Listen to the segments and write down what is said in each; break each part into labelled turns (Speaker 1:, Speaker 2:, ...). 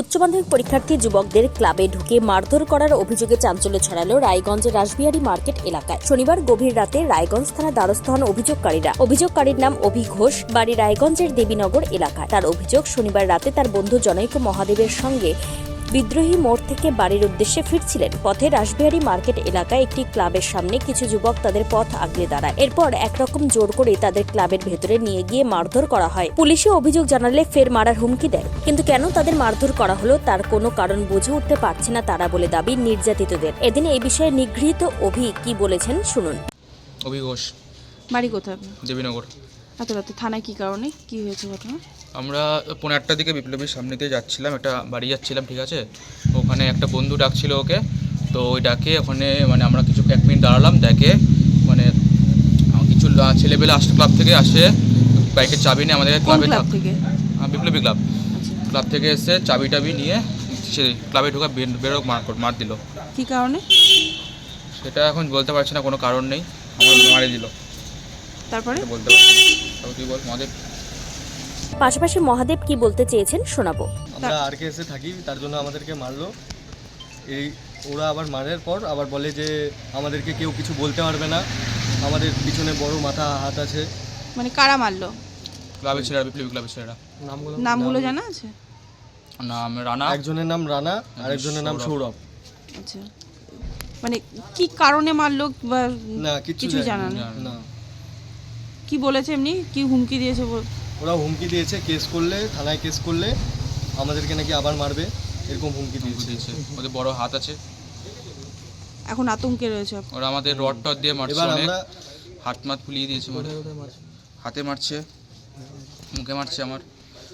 Speaker 1: উচ্চ মাধ্যমিক পরীক্ষার্থী যুবকদের ক্লাবে ঢুকে মারধর করার অভিযোগে চাঞ্চল্য ছড়ালো রায়গঞ্জের রাসবিহারী মার্কেট এলাকায়। শনিবার গভীর রাতে রায়গঞ্জ থানা দ্বারস্থ হন অভিযোগকারীরা। অভিযোগকারীর নাম অভি ঘোষ, বাড়ি রায়গঞ্জের দেবীনগর এলাকায়। তার অভিযোগ, শনিবার রাতে তার বন্ধু জনৈক মহাদেবের সঙ্গে বিদ্রোহী মোড় থেকে বাড়ির উদ্দেশ্যে ফিরছিলেন। পথে রাসবিহারী মার্কেট এলাকায় একটি ক্লাবের সামনে কিছু যুবক তাদের পথ আগলে দাঁড়ায়। এরপর একরকম জোর করে তাদের ক্লাবের ভেতরে নিয়ে গিয়ে মারধর করা হয়। পুলিশে অভিযোগ জানালে ফের মারার হুমকি দেয়। কিন্তু কেন তাদের মারধর করা হলো তার কোনো কারণ বুঝে উঠতে পারছে না তারা বলে দাবি নির্যাতিতদের। এদিন এই বিষয়ে নিগৃহীত অভি কি বলেছেন শুনুন।
Speaker 2: অভি ঘোষ,
Speaker 3: বাড়ি কোথায়?
Speaker 2: দেবীনগর।
Speaker 3: এত রাতে থানায় কি কারণে, কি হয়েছে ঘটনা?
Speaker 2: আমরা 11টার দিকে বিপ্লবীর সামনে দিয়ে যাচ্ছিলাম, একটা বাড়ি যাচ্ছিলাম, ঠিক আছে। ওখানে একটা বন্ধু ডাকছিল ওকে, তো ওই ডাকে ওখানে আমরা কিছু 1 মিনিট দাঁড়ালাম। দেখে কিছু ছেলেবেলা আসে, ক্লাব থেকে আসে, বাইকের চাবি নিয়ে আমাদের ক্লাবে
Speaker 3: থেকে
Speaker 2: বিপ্লবী ক্লাব থেকে এসে চাবি টাবি নিয়ে সে ক্লাবে ঢোকা বেরোক মার দিল।
Speaker 3: কি কারণে
Speaker 2: সেটা এখন বলতে পারছি না, কোনো কারণ নেই, আমার মারে দিল।
Speaker 3: তারপরে
Speaker 2: বলতে পারছি না, তুই বল মহাদেব।
Speaker 1: পাশাপাশি মহাদেব কি বলতে চেয়েছেন শোনাবো।
Speaker 4: আমরা আরকেএসে থাকি, তার জন্য আমাদেরকে মারলো। ওরা আবার মারার পর আবার বলে যে আমাদেরকে কেউ কিছু বলতে পারবে না, আমাদের পিছনে বড় মাথা হাত আছে।
Speaker 3: মানে কারা মারলো?
Speaker 2: ক্লাবের ছেলেরা, বিপ্লবী ক্লাবের ছেলেরা।
Speaker 3: নামগুলো জানা আছে?
Speaker 2: নাম রানা,
Speaker 4: একজনের নাম রানা, আরেকজনের নাম সৌরভ।
Speaker 3: আচ্ছা, মানে কি কারণে মারলো বা
Speaker 4: না
Speaker 3: কিছু জানা নেই?
Speaker 4: না।
Speaker 3: কি বলেছে, এমনি কি হুমকি দিয়েছে?
Speaker 4: ওরা হুমকি দিয়েছে কেস করলে, থানায় কেস করলে আমাদেরকে নাকি আবার মারবে, এরকম হুমকি দিয়েছে।
Speaker 2: ওদের বড় হাত আছে,
Speaker 3: এখন আতঙ্কে রয়েছে।
Speaker 2: ওরা আমাদের রড টড দিয়ে মারছে,
Speaker 4: এবার
Speaker 2: অনেক
Speaker 4: আমরা
Speaker 2: হাত মাত ফুলিয়ে দিয়েছে, হাতে মারছে, মুখে মারছে, আমার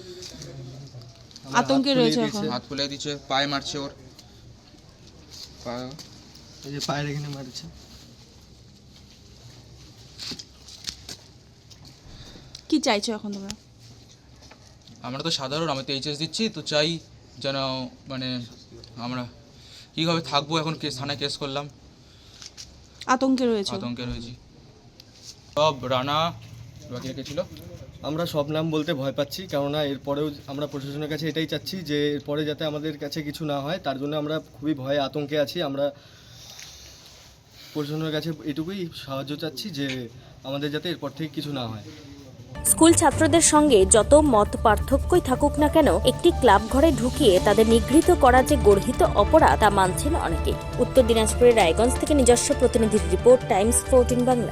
Speaker 3: আতঙ্কে রয়েছে এখন।
Speaker 2: হাত ফুলিয়ে দিচ্ছে, পায়ে মারছে, ওর
Speaker 4: এই যে পায়ের এখানে মারছে।
Speaker 3: কি চাইছো এখন তোমরা?
Speaker 2: আমরা তো সাধারণ, আমি তো এইচএস দিচ্ছি, তো চাই যেন আমরা কীভাবে থাকবো। এখন থানায় কেস করলাম,
Speaker 3: আতঙ্কে রয়েছে।
Speaker 2: সব রানা বাকি রেখেছিল।
Speaker 4: আমরা সব নাম বলতে ভয় পাচ্ছি, কেননা এরপরেও আমরা প্রশাসনের কাছে এটাই চাচ্ছি যে এরপরে যাতে আমাদের কাছে কিছু না হয়, তার জন্য আমরা খুবই ভয়ে আতঙ্কে আছি। আমরা প্রশাসনের কাছে এটুকুই সাহায্য চাচ্ছি যে আমাদের যাতে এরপর থেকে কিছু না হয়।
Speaker 1: স্কুল ছাত্রদের সঙ্গে যত মত পার্থক্যই থাকুক না কেন, একটি ক্লাব ঘরে ঢুকিয়ে তাদের নিগৃহীত করা যে গর্হিত অপরাধ তা মানছেন অনেকেই। উত্তর দিনাজপুরের রায়গঞ্জ থেকে নিজস্ব প্রতিনিধির রিপোর্ট, টাইমস 14 বাংলা।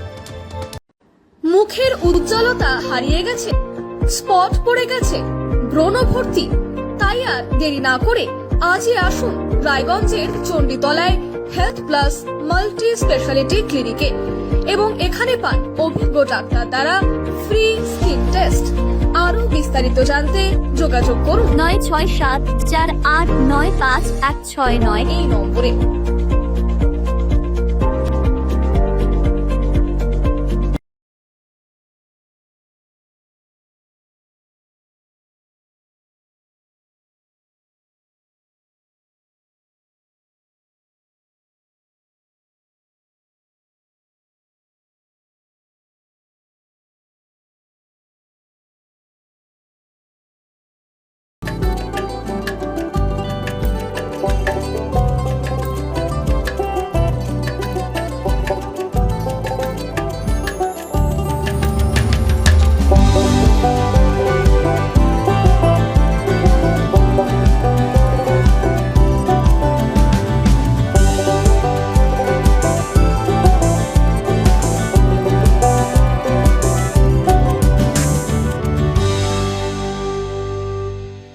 Speaker 5: মুখের উজ্জ্বলতা হারিয়ে গেছে, স্পট পড়ে গেছে, ব্রণ ভর্তি, তাই আর দেরি না করে আজই আসুন রায়গঞ্জের চণ্ডীতলায় হেলথ প্লাস মাল্টি স্পেশালিটি ক্লিনিকে এবং এখানে পান অভিজ্ঞ ডাক্তার দ্বারা ফ্রি স্কিন টেস্ট। আরো বিস্তারিত জানতে যোগাযোগ করুন
Speaker 6: 9674895169
Speaker 5: এই নম্বরে।